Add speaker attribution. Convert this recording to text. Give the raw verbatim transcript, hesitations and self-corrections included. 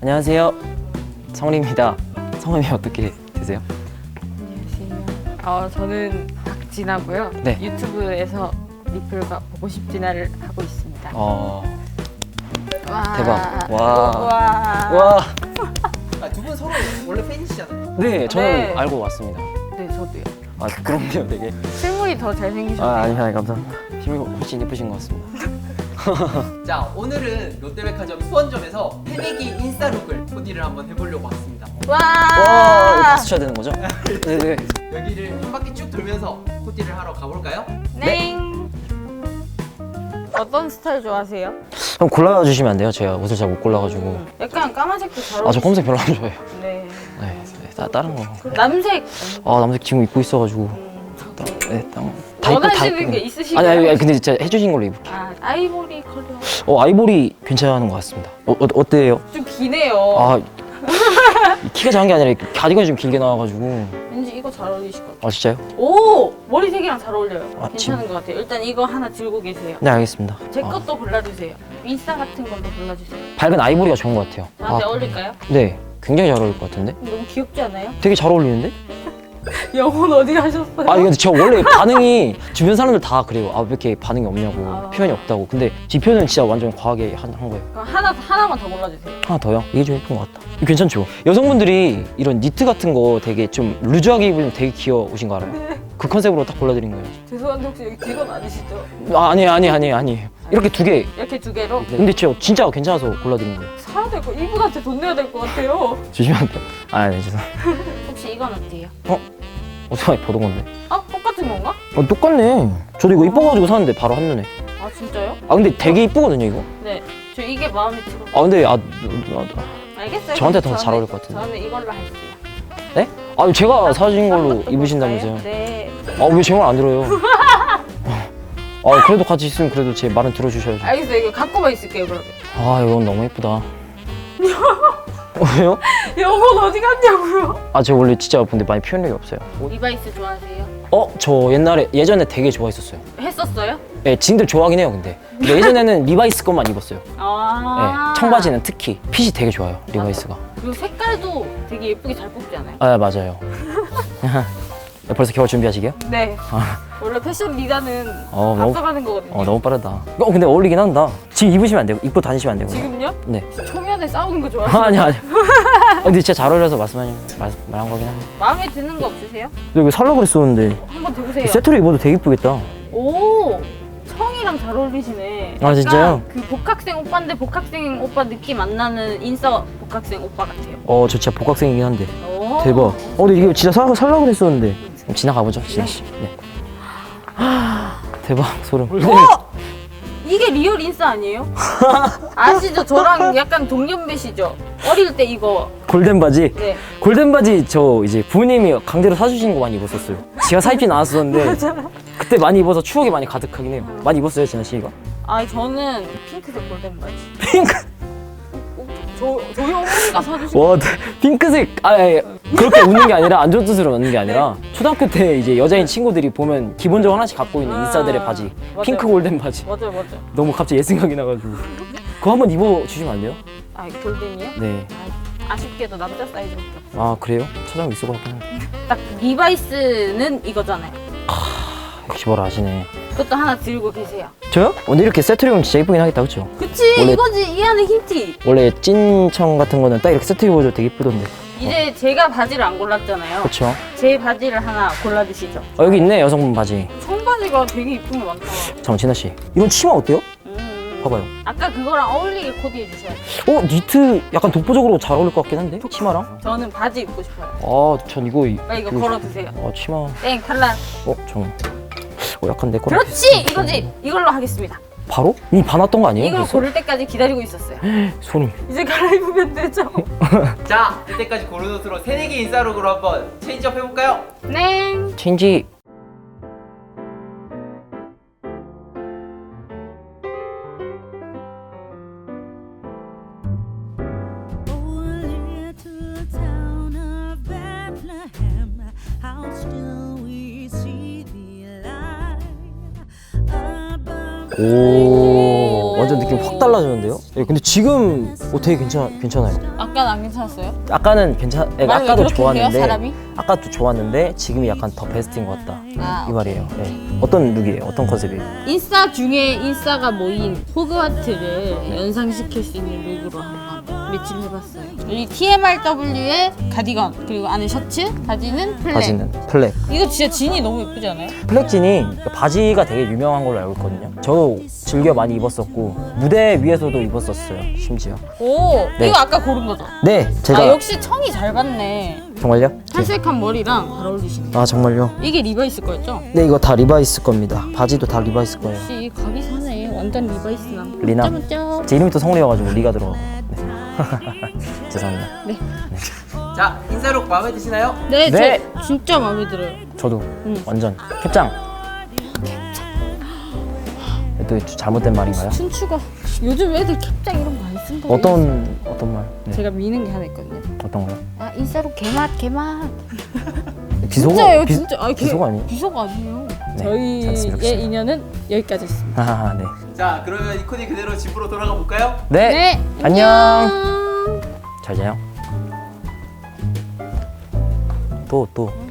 Speaker 1: 안녕하세요. 성훈입니다. 성함이 어떻게 되세요?
Speaker 2: 안녕하세요. 어, 저는 박진아고요.
Speaker 1: 네.
Speaker 2: 유튜브에서 리플과 보고 싶진아를 하고 있습니다.
Speaker 1: 어...
Speaker 2: 와.
Speaker 1: 대박. 와.
Speaker 2: 와.
Speaker 1: 와.
Speaker 3: 아, 두 분 서로 원래 팬이시잖아요.
Speaker 1: 네, 저는
Speaker 2: 네.
Speaker 1: 알고 왔습니다.
Speaker 2: 네, 저도요.
Speaker 1: 아, 그럼요, 되게.
Speaker 2: 실물이 더 잘생기셨네요.
Speaker 1: 아, 아니, 아니, 감사합니다. 실물 훨씬 예쁘신 것 같습니다.
Speaker 3: 자, 오늘은 롯데백화점 수원점에서 새내기 인싸룩을 코디를 한번 해보려고 왔습니다.
Speaker 2: 와.
Speaker 1: 와, 이거 박수 쳐야 되는 거죠? 네네.
Speaker 3: 여기를 한 바퀴 쭉 돌면서 코디를 하러 가볼까요?
Speaker 2: 네. 어떤 스타일 좋아하세요?
Speaker 1: 그럼 골라주시면 안 돼요? 제가 옷을 잘 못 골라가지고.
Speaker 2: 음, 약간 까만색도 잘 어울리시죠?
Speaker 1: 아, 저 검색 별로 안 좋아해요.
Speaker 2: 네.
Speaker 1: 네, 네, 따, 다른 거.
Speaker 2: 남색.
Speaker 1: 아, 남색 지금 입고 있어가지고.
Speaker 2: 음,
Speaker 1: 따, 네, 따, 다 입고 다
Speaker 2: 원하시는
Speaker 1: 입고.
Speaker 2: 게 있으신가요?
Speaker 1: 아니, 아니, 아니, 근데 진짜 해주신 걸로 입을게요.
Speaker 2: 아, 아이보리 컬러.
Speaker 1: 어, 아이보리 괜찮은 것 같습니다. 어, 어, 어때요?
Speaker 2: 좀 기네요.
Speaker 1: 아, 키가 작은 게 아니라 이렇게 가디건이 좀 길게 나와가지고.
Speaker 2: 왠지 이거 잘 어울리실 것 같아요.
Speaker 1: 아, 진짜요?
Speaker 2: 오! 머리색이랑 잘 어울려요.
Speaker 1: 아,
Speaker 2: 괜찮은 것 같아요. 일단 이거 하나 들고 계세요.
Speaker 1: 네, 알겠습니다.
Speaker 2: 제
Speaker 1: 아,
Speaker 2: 것도 골라주세요. 인싸 같은 걸로 골라주세요.
Speaker 1: 밝은 아이보리가 좋은 것 같아요.
Speaker 2: 저한테
Speaker 1: 아,
Speaker 2: 어울릴까요?
Speaker 1: 네, 굉장히 잘 어울릴 것 같은데?
Speaker 2: 너무 귀엽지 않아요?
Speaker 1: 되게 잘 어울리는데?
Speaker 2: 영혼 어디 가셨어요?
Speaker 1: 아, 근데 저 원래 반응이 주변 사람들 다 그래요. 아, 왜 이렇게 반응이 없냐고,
Speaker 2: 아.
Speaker 1: 표현이 없다고. 근데 지 표현은 진짜 완전 과하게 한, 한 거예요.
Speaker 2: 그럼 하나, 하나만 더 골라주세요.
Speaker 1: 하나 더요? 이게 좀 예쁜 것 같다. 이거 괜찮죠? 여성분들이 이런 니트 같은 거 되게 좀 루즈하게 입으면 되게 귀여우신 거 알아요? 그 컨셉으로 딱 골라드린 거예요.
Speaker 2: 죄송한데 혹시 여기 직원 아니시죠?
Speaker 1: 아, 아니, 아니, 아니, 아니. 이렇게 두 개.
Speaker 2: 이렇게 두 개로?
Speaker 1: 근데 저 진짜 괜찮아서 골라드린 거예요.
Speaker 2: 사야 될 거, 이분한테 돈 내야 될 것 같아요.
Speaker 1: 조심하세요. 아, 네, 죄송.
Speaker 2: 혹시 이건 어때요?
Speaker 1: 어떻게 보던 건데?
Speaker 2: 아, 똑같은 건가?
Speaker 1: 어, 똑같네. 저도 이거 이뻐가지고 샀는데 바로 한눈에.
Speaker 2: 아, 진짜요?
Speaker 1: 아, 근데 되게 이쁘거든요, 이거.
Speaker 2: 네. 저 이게 마음에 들어.
Speaker 1: 아, 근데 아, 아, 아,
Speaker 2: 알겠어요.
Speaker 1: 저한테 더
Speaker 2: 저는-
Speaker 1: 잘 어울릴 것 같은데.
Speaker 2: 저는 이걸로 할게요.
Speaker 1: 네? 아, 제가 사신 걸로
Speaker 2: 한번 또
Speaker 1: 입으신다면서요?
Speaker 2: 볼까요? 네.
Speaker 1: 아, 왜 제 말 안 들어요? 아, 그래도 같이 있으면 그래도 제 말은 들어주셔야죠.
Speaker 2: 알겠어요. 이거 갖고만 있을게요, 그러면.
Speaker 1: 아, 이건 너무 예쁘다. 어, 왜요?
Speaker 2: 영혼 어디 갔냐고요?
Speaker 1: 아, 제가 원래 진짜 근데 많이 표현력이 없어요.
Speaker 2: 리바이스 좋아하세요?
Speaker 1: 어? 저 옛날에, 예전에 되게 좋아했었어요.
Speaker 2: 했었어요?
Speaker 1: 네, 지금도 좋아하긴 해요, 근데. 근데 예전에는 리바이스 것만 입었어요.
Speaker 2: 아.
Speaker 1: 네, 청바지는 특히. 핏이 되게 좋아요, 리바이스가.
Speaker 2: 그리고 색깔도 되게 예쁘게 잘 뽑지 않아요?
Speaker 1: 아, 맞아요. 네, 벌써 겨울 준비하시게요?
Speaker 2: 네.
Speaker 1: 아.
Speaker 2: 원래 패션 리더는
Speaker 1: 어, 너무,
Speaker 2: 앞서가는 거거든요.
Speaker 1: 어, 너무 빠르다. 어, 근데 어울리긴 한다. 지금 입으시면 안 되고, 입고 다니시면 안 되고.
Speaker 2: 지금요?
Speaker 1: 네.
Speaker 2: 초면에 싸우는 거 좋아하세요?
Speaker 1: 아, 아니, 아니. 아, 근데 진짜 잘 어울려서 말씀하신, 말, 말한 거긴 한데.
Speaker 2: 마음에 드는 거 없으세요?
Speaker 1: 근데 이거 살려고 그랬었는데.
Speaker 2: 한번 들으세요.
Speaker 1: 세트로 입어도 되게 이쁘겠다.
Speaker 2: 오! 청이랑 잘 어울리시네.
Speaker 1: 아, 진짜요?
Speaker 2: 약간 그 복학생 오빠인데 복학생 오빠 느낌 안 나는 인싸 복학생 오빠 같아요.
Speaker 1: 어, 저 진짜 복학생이긴 한데.
Speaker 2: 오.
Speaker 1: 대박. 어, 근데 이거 진짜 사, 살려고 그랬었는데. 그럼 지나가보죠, 진아씨. 네. 대박, 소름.
Speaker 2: 어! 이게 리얼 인싸 아니에요? 아시죠? 저랑 약간 동년배시죠? 어릴 때 이거.
Speaker 1: 골덴 바지.
Speaker 2: 네.
Speaker 1: 골덴 바지 저 이제 부모님이 강제로 사주신 거 많이 입었었어요. 제가 사입진 않았었는데.
Speaker 2: 맞아요.
Speaker 1: 그때 많이 입어서 추억이 많이 가득하긴 해요. 많이 입었어요, 진아 씨가?
Speaker 2: 아, 저는 핑크색 골덴 바지.
Speaker 1: 핑크.
Speaker 2: 저, 저희 어머니가 사주신
Speaker 1: 와, 네. 핑크색. 아, 예. 그렇게 웃는 게 아니라 안 좋은 뜻으로 웃는 게 아니라 초등학교 때 이제 여자인 친구들이 보면 기본적으로 하나씩 갖고 있는
Speaker 2: 아,
Speaker 1: 인싸들의 바지.
Speaker 2: 맞아요.
Speaker 1: 핑크 골덴 바지.
Speaker 2: 맞아요, 맞아요.
Speaker 1: 너무 갑자기 옛 생각이 나가지고. 그거 한번 입어주시면 안 돼요?
Speaker 2: 아, 골덴이요?
Speaker 1: 네.
Speaker 2: 아, 아쉽게도 남자 사이즈밖에 없어요.
Speaker 1: 아, 그래요? 찾아보면 있을 것 같긴 한데.
Speaker 2: 딱 리바이스는 이거잖아요.
Speaker 1: 역시 뭘 아시네.
Speaker 2: 그것도 하나 들고 계세요.
Speaker 1: 저요? 오늘 이렇게 세트로 입으면 진짜 이쁘긴 하겠다, 그쵸?
Speaker 2: 그치?
Speaker 1: 원래-
Speaker 2: 이거지, 이 안에 흰티.
Speaker 1: 원래 찐청 같은 거는 딱 이렇게 세트 입어도 되게 이쁘던데.
Speaker 2: 이제 제가 바지를 안 골랐잖아요.
Speaker 1: 그쵸?
Speaker 2: 제 바지를 하나 골라주시죠.
Speaker 1: 어, 여기 있네, 여성분 바지.
Speaker 2: 청바지가 되게 이쁜 게 많다.
Speaker 1: 잠깐, 진아씨. 이런 치마 어때요?
Speaker 2: 음.
Speaker 1: 봐봐요.
Speaker 2: 아까 그거랑 어울리게 코디해 주셔야 돼요.
Speaker 1: 어, 니트 약간 독보적으로 잘 어울릴 것 같긴 한데? 치마랑?
Speaker 2: 저는 바지 입고 싶어요.
Speaker 1: 아, 전 이거. 이-
Speaker 2: 빨리 이거
Speaker 1: 그-
Speaker 2: 걸어 두세요.
Speaker 1: 아, 치마.
Speaker 2: 땡, 탈락.
Speaker 1: 어, 전. 어, 약간 내 거랑.
Speaker 2: 그렇지! 이거지! 이걸로 하겠습니다.
Speaker 1: 바로? 이미 반왔던 거 아니에요?
Speaker 2: 이걸
Speaker 1: 벌써?
Speaker 2: 고를 때까지 기다리고 있었어요.
Speaker 1: 소름.
Speaker 2: 이제 갈아입으면 되죠?
Speaker 3: 자, 이때까지 고른 옷으로 새내기 인싸룩으로 한번 체인지업 해볼까요?
Speaker 2: 네.
Speaker 1: 체인지.
Speaker 4: Oh, little town of Bethlehem, how still we see the light above.
Speaker 1: 오, 완전 느낌 확 달라지는데요? 예, 근데 지금 어, 되게 괜찮, 괜찮아요.
Speaker 2: 아까는 안 괜찮았어요?
Speaker 1: 아까는 괜찮, 예,
Speaker 2: 말을 왜
Speaker 1: 아까도
Speaker 2: 그렇게
Speaker 1: 좋았는데
Speaker 2: 해요, 사람이?
Speaker 1: 아까도 좋았는데 지금이 약간 더 베스트인 것 같다
Speaker 2: 아,
Speaker 1: 이 말이에요. 예. 어떤 룩이에요? 어떤 컨셉이에요?
Speaker 2: 인싸 중에 인싸가 모인 호그와트를 연상시킬 수 있는 룩으로 한번 매치를 해봤어요. 여기 티엠알더블유의 가디건 그리고 안에 셔츠, 바지는 플랫.
Speaker 1: 바지는 플렉.
Speaker 2: 이거 진짜 진이 너무 예쁘지 않아요?
Speaker 1: 플렉진이 바지가 되게 유명한 걸로 알고 있거든요. 저도 즐겨 많이 입었었고 무대 위에서도 입었었어요. 심지어.
Speaker 2: 오,
Speaker 1: 네.
Speaker 2: 이거 아까 고른 거죠?
Speaker 1: 네, 제가
Speaker 2: 아 역시 청이 잘 받네.
Speaker 1: 정말요? 네.
Speaker 2: 탈색한 머리랑 잘 어울리시네.
Speaker 1: 아 정말요?
Speaker 2: 이게 리바이스 거였죠?
Speaker 1: 네, 이거 다 리바이스 겁니다. 바지도 다 리바이스 거예요.
Speaker 2: 역시 각이 사네. 완전 리바이스남.
Speaker 1: 리나.
Speaker 2: 쩌쩌쩌.
Speaker 1: 제 이름이 또 성리여가지고 리가 들어가고. 네. 죄송합니다.
Speaker 2: 네.
Speaker 3: 자, 인싸룩 마음에 드시나요?
Speaker 2: 네,
Speaker 1: 네.
Speaker 2: 저 진짜 마음에 들어요.
Speaker 1: 저도
Speaker 2: 응.
Speaker 1: 완전 캡장. 또 잘못된 말인가요?
Speaker 2: 춘추가 요즘 애들 캡장 이런 거 안 쓴다.
Speaker 1: 어떤 어떤 말? 네.
Speaker 2: 제가 미는 게 하나 있거든요.
Speaker 1: 어떤 거요?
Speaker 2: 아 인싸로 개맛 개맛.
Speaker 1: 비속어?
Speaker 2: 진짜예요,
Speaker 1: 비-
Speaker 2: 진짜. 아, 개-
Speaker 1: 비속어 아니에요?
Speaker 2: 비속 아니에요.
Speaker 1: 네,
Speaker 2: 저희의
Speaker 1: 잘쓰겠습니다.
Speaker 2: 인연은 여기까지였습니다.
Speaker 1: 아, 네.
Speaker 3: 자, 그러면 이 코디 그대로 집으로 돌아가 볼까요?
Speaker 1: 네. 안녕.
Speaker 2: 안녕.
Speaker 1: 잘 자요. 또 또.